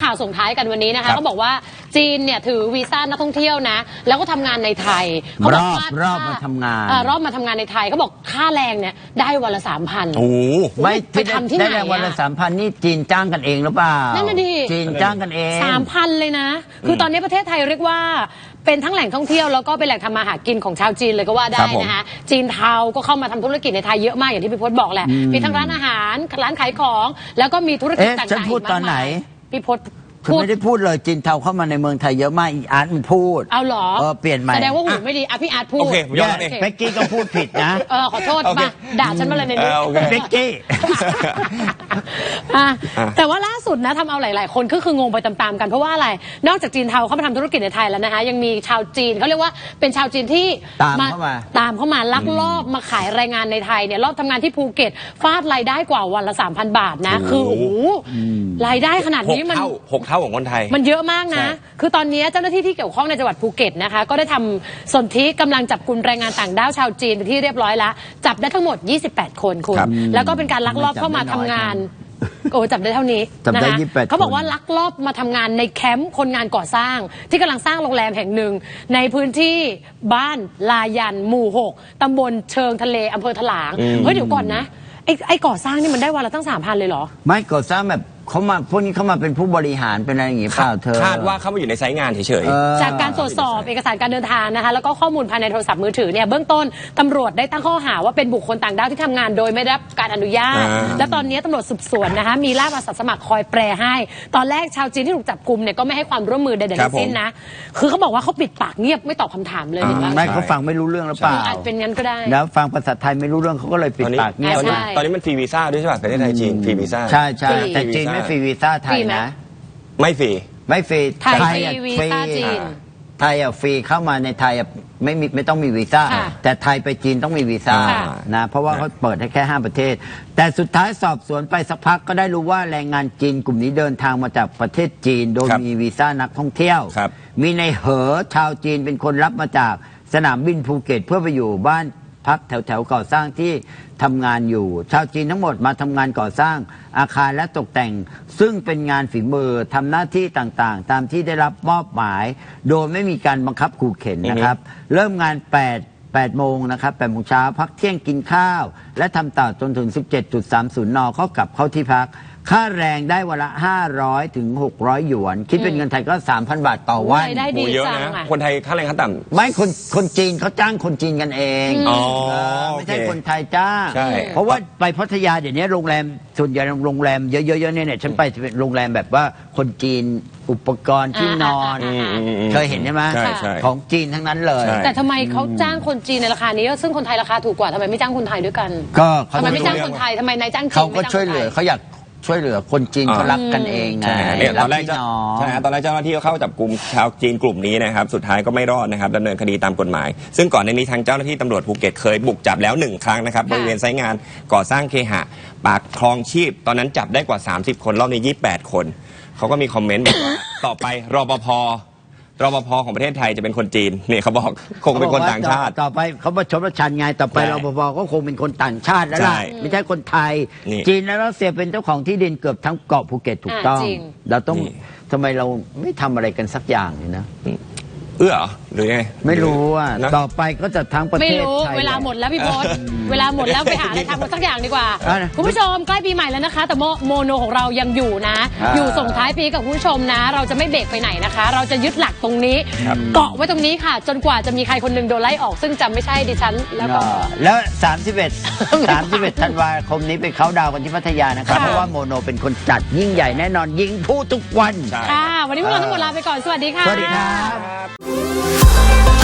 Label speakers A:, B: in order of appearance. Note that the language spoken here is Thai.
A: ข่าวส่งท้ายกันวันนี้นะคะเขาบอกว่าจีนเนี่ยถือวีซ่านักท่องเที่ยวนะแล้วก็ทำงานในไทยเขาบอกว่าร
B: อบมาทำงาน
A: รอบมาทำงานในไทยเขาบอกค่าแรงเนี่ยได้วันละ 3,000
B: โอ้ไม่
A: ไปทำที่ไหน
B: ได้วันละ 3,000 นี่จีนจ้างกันเองหรือเปล่า
A: นั่นน่ะดิ
B: จีนจ้างกันเอง
A: 3,000 เลยนะคือตอนนี้ประเทศไทยเรียกว่าเป็นทั้งแหล่งท่องเที่ยวแล้วก็เป็นแหล่งทำมาหากินของชาวจีนเลยก็ว่าได้นะคะจีนเทาก็เข้ามาทำธุรกิจในไทยเยอะมากอย่างที่พี่พจน์บอกแหละมีทั้งร้านอาหารร้านขายของแล้วก็มีธุรกิจต่างๆ
B: ฉันพูดตอนไหน
A: พี่พจน์
B: ไม่ได้พูดเลยจีนเทาเข้ามาในเมืองไทยเยอะมากอีอาร์ตมันพูด
A: เอาหรอ
B: เปลี่ยนใหม่
A: แสดงว่าหูไม่ดีพี่อาร์ตพูดโอเค
B: ยอมเองเบกกี้ก็พูดผิดนะ
A: ขอโทษมาด่าฉันมาเลยในนี้
B: เบกกี้
A: แต่ว่าล่าสุดนะทำเอาหลายๆคนก็คืองงไปตามๆกันเพราะว่าอะไรนอกจากจีนเทาเข้ามาทำธุรกิจในไทยแล้วนะคะยังมีชาวจีนเขาเรียกว่าเป็นชาวจีนที่
B: ตามเข้ามา
A: ลักลอบมาขายแรงงานในไทยเนี่ยรอบทำงานที่ภูเก็ตฟาดรายได้กว่าวันละ 3,000 บาทนะคือโอ้โหรายได้ขนาดนี้มัน
C: 6 เท่าของคนไทย
A: มันเยอะมากนะคือตอนนี้เจ้าหน้าที่ที่เกี่ยวข้องในจังหวัดภูเก็ตนะคะก็ได้ทำสนธิกำลังจับกลุ่มแรงงานต่างด้าวชาวจีนไปที่เรียบร้อยแล้วจับได้ทั้งหมด28 คนคุณแล้วก็เป็นการลักลอบเข้ามาทำงานจับได้เท่านี้นะคะเขาบอกว่าลักลอบมาทำงานในแคมป์คนงานก่อสร้างที่กำลังสร้างโรงแรมแห่งหนึ่งในพื้นที่บ้านลายันหมู่ 6ตำบลเชิงทะเลอำเภอถลางเฮ้ยเดี๋ยวก่อนนะไอ้ก่อสร้างนี่มันได้วันละตั้ง 3,000 เลยเหรอ
B: ไม่ก่อสร้างแบบเขามาพวกนี้เขามาเป็นผู้บริหารเป็นอะไรอย่างงี้เปล่าเธอ
C: คาดว่าเขามาอยู่ในไซต์งานเฉย
A: ๆจากการตรวจสอบเอกสารการเดินทางนะคะแล้วก็ข้อมูลภายในโทรศัพท์มือถือเนี่ยเบื้องต้นตำรวจได้ตั้งข้อหาว่าเป็นบุคคลต่างด้าวที่ทำงานโดยไม่ได้รับการอนุญาตและตอนนี้ตำรวจสืบสวนนะคะมีล่ามอาสาสมัครคอยแปลให้ตอนแรกชาวจีนที่ถูกจับกุมเนี่ยก็ไม่ให้ความร่วมมือใดๆทั้งสิ้นนะคือเขาบอกว่าเขาปิดปากเงียบไม่ตอบคำถามเลย
B: ไม่เขาฟังไม่รู้เรื่องหรือเปล่า
A: อาจเป็นงั้นก็ได้
B: แล้วฟังภาษาไทยไม่รู้เรื่องเขาก็เลยปิดปากเงียบ
C: ตอนนี้มันฟรีวีซ่าด้วยใช่ป่ะประเทศไทยจีนฟรีวีซ่า
B: ใช่ใช่แต่จีนไม่ฟรีวีซ่าไทยนะ
C: ไม่ฟรี
A: ไทยวีซ่าจีน
B: ไทยฟรีเข้ามาในไทยไม่ต้องมีวีซ่าแต่ไทยไปจีนต้องมีวีซ่านะเพราะว่าเขาเปิดให้แค่5 ประเทศแต่สุดท้ายสอบสวนไปสักพักก็ได้รู้ว่าแรงงานจีนกลุ่มนี้เดินทางมาจากประเทศจีนโดยมีวีซ่านักท่องเที่ยวมีในเหอชาวจีนเป็นคนรับมาจากสนามบินภูเก็ตเพื่อไปอยู่บ้านพักแถวก่อสร้างที่ทำงานอยู่ชาวจีนทั้งหมดมาทำงานก่อสร้างอาคารและตกแต่งซึ่งเป็นงานฝีมือทำหน้าที่ต่างๆตามที่ได้รับมอบหมายโดยไม่มีการบังคับขู่เข็นนะครับเริ่มงาน8 โมงนะครับ8 โมงเช้าพักเที่ยงกินข้าวและทำต่อจนถึง 17.30 น.เขากลับเข้าที่พักค่าแรงได้วันละ500 ถึง 600 หยวนคิดเป็นเงินไทยก็ 3,000 บาทต่อวัน
A: ได้ดี
C: เยอะนะคนไทยค่าแรงขั้นต่ำ
B: ไม่คนจีนเขาจ้างคนจีนกันเองไม่ใช่คนไทยจ้างเพราะว่าไปพัทยาเดี๋ยวนี้โรงแรมส่วนใหญ่โรงแรมเยอะๆเนี่ยฉันไปเป็นโรงแรมแบบว่าคนจีนอุปกรณ์ที่นอนเคยเห็นใช่ไหมของจีนทั้งนั้นเลย
A: แต่ทำไมเขาจ้างคนจีนในราคานี้ซึ่งคนไทยราคาถูกกว่าทำไมไม่จ้างคนไทยด้วยกัน
B: ก็
A: ทำไมไม่จ้างคนไทยทำไมนายจ้างจีน
B: เขาก็ช่วยเหลือเขาอยากช่วยเหลือคนจีนเขารักกันเองไง
C: ตอนแรกเจ้าหน้าที่เข้าจับกลุ่มชาวจีนกลุ่มนี้นะครับสุดท้ายก็ไม่รอดนะครับดำเนินคดีตามกฎหมายซึ่งก่อนในนี้ทางเจ้าหน้าที่ตำรวจภูเก็ตเคยบุกจับแล้ว1 ครั้งนะครับบริเวณไซต์งานก่อสร้างเคหะปากคลองชีพตอนนั้นจับได้กว่า30 คนรอบนี้28 คนเขาก็มีคอมเมนต์บอกว่าต่อไปรปภของประเทศไทยจะเป็นคนจีนเนี่ยเขาบอกคงเป็นคนต่างชาติ
B: ต่อไปเขาประชดประชันไงต่อไปรปภก็คงเป็นคนต่างชาติแล้วล่ะไม่ใช่คนไทยจีนและรัสเซียเป็นเจ้าของที่ดินเกือบทั้งเกาะภูเก็ตถูกต้องเราต้องทำไมเราไม่ทำอะไรกันสักอย่างเลยนะ
C: หรือไง
B: ไม่รู้อ่ะต่อไปก็จะทั้งประเทศ
A: ไม่รู้เวลาหมดแล้วพี่พศเวลาหมดแล้วไปหาอะไรทำกันสักอย่างดีกว่าคุณผู้ชมใกล้ปีใหม่แล้วนะคะแต่โมโนของเรายังอยู่นะอยู่ส่งท้ายปีกับคุณผู้ชมนะเราจะไม่เบรกไปไหนนะคะเราจะยึดหลักตรงนี้เกาะไว้ตรงนี้ค่ะจนกว่าจะมีใครคนหนึ่งโดนไล่ออกซึ่งจำไม่ใช่ดิฉัน
B: แล้ว31 ธันวาคมนี้ไปเค้าดาวกันที่พัทยานะครับเพราะว่าโมโนเป็นคนจัดยิ่งใหญ่แน่นอนยิงผู้ทุกวัน
A: ค่ะวันนี้พวกเราทั้งหมดลาไปก่อนสวัสดีค่ะ
B: สวัสดีครับ